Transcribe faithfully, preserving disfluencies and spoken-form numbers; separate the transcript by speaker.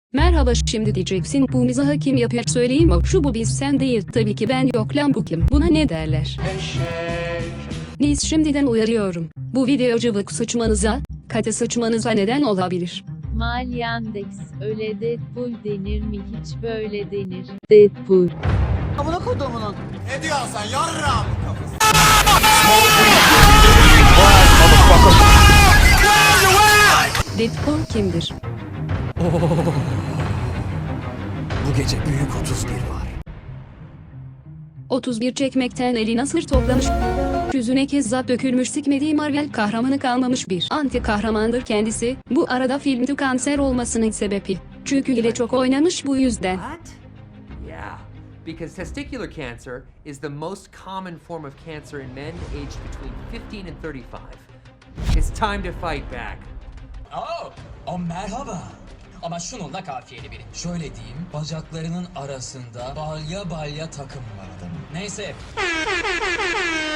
Speaker 1: Merhaba, şimdi diyeceksin bu mizahı kim yapıyor, söyleyeyim o şu bu biz sen değil tabii ki ben, yok lan bu kim, buna ne derler?
Speaker 2: Eşek.
Speaker 1: Neyse, şimdiden uyarıyorum, bu video cıvık sıçmanıza, katı sıçmanıza neden olabilir.
Speaker 3: Malyandex, öyle Deadpool denir mi, hiç böyle denir. Deadpool.
Speaker 4: Amına kodumunun.
Speaker 2: Ne diyorsun sen yarram kafası?
Speaker 1: Deadpool kimdir?
Speaker 5: Bu gece büyük otuz bir var.
Speaker 1: otuz bir çekmekten eli nasır toplamış. Yüzüne kezzap dökülmüş, sikmediği Marvel kahramanı kalmamış bir anti kahramandır kendisi. Bu arada filmde kanser olmasının sebebi. Çünkü ile çok oynamış, bu yüzden.
Speaker 6: What? Yeah, because testicular cancer is the most common form of cancer in men aged between fifteen and thirty-five. It's time to fight back.
Speaker 7: Oh, oh merhaba. Ama şununla kafiyeli biri. Şöyle diyeyim, bacaklarının arasında balya balya takım var adamın. Neyse.